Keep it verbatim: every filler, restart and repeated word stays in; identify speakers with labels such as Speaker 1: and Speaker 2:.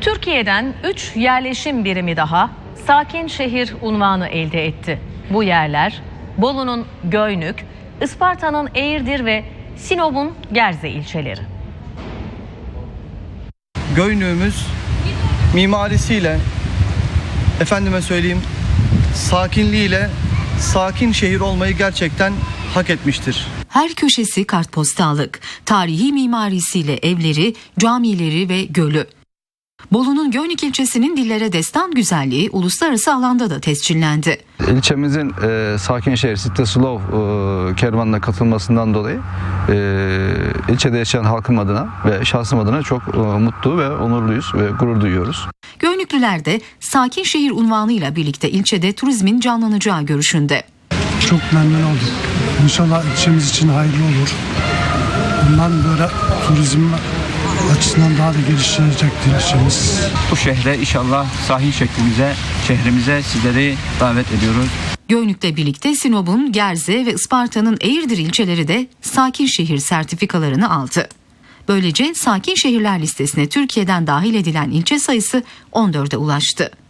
Speaker 1: Türkiye'den üç yerleşim birimi daha sakin şehir unvanı elde etti. Bu yerler Bolu'nun Göynük, Isparta'nın Eğirdir ve Sinop'un Gerze ilçeleri.
Speaker 2: Göynük'ümüz mimarisiyle, efendime söyleyeyim, sakinliğiyle sakin şehir olmayı gerçekten hak etmiştir.
Speaker 3: Her köşesi kartpostallık, tarihi mimarisiyle evleri, camileri ve gölü. Bolu'nun Göynük ilçesinin dillere destan güzelliği uluslararası alanda da tescillendi.
Speaker 4: İlçemizin e, sakin şehir City Slow e, kervanına katılmasından dolayı e, ilçede yaşayan halkım adına ve şahsım adına çok e, mutlu ve onurluyuz ve gurur duyuyoruz.
Speaker 3: Göynüklüler de sakin şehir unvanıyla birlikte ilçede turizmin canlanacağı görüşünde.
Speaker 5: Çok memnun oldum. İnşallah ilçemiz için hayırlı olur. Bundan böyle turizm açısından daha da gelişecektir ilçemiz.
Speaker 6: Bu şehre inşallah sahin şeklimize, şehrimize sizleri davet ediyoruz.
Speaker 3: Göynük'le birlikte Sinop'un Gerze ve Isparta'nın Eğirdir ilçeleri de sakin şehir sertifikalarını aldı. Böylece sakin şehirler listesine Türkiye'den dahil edilen ilçe sayısı on dörde ulaştı.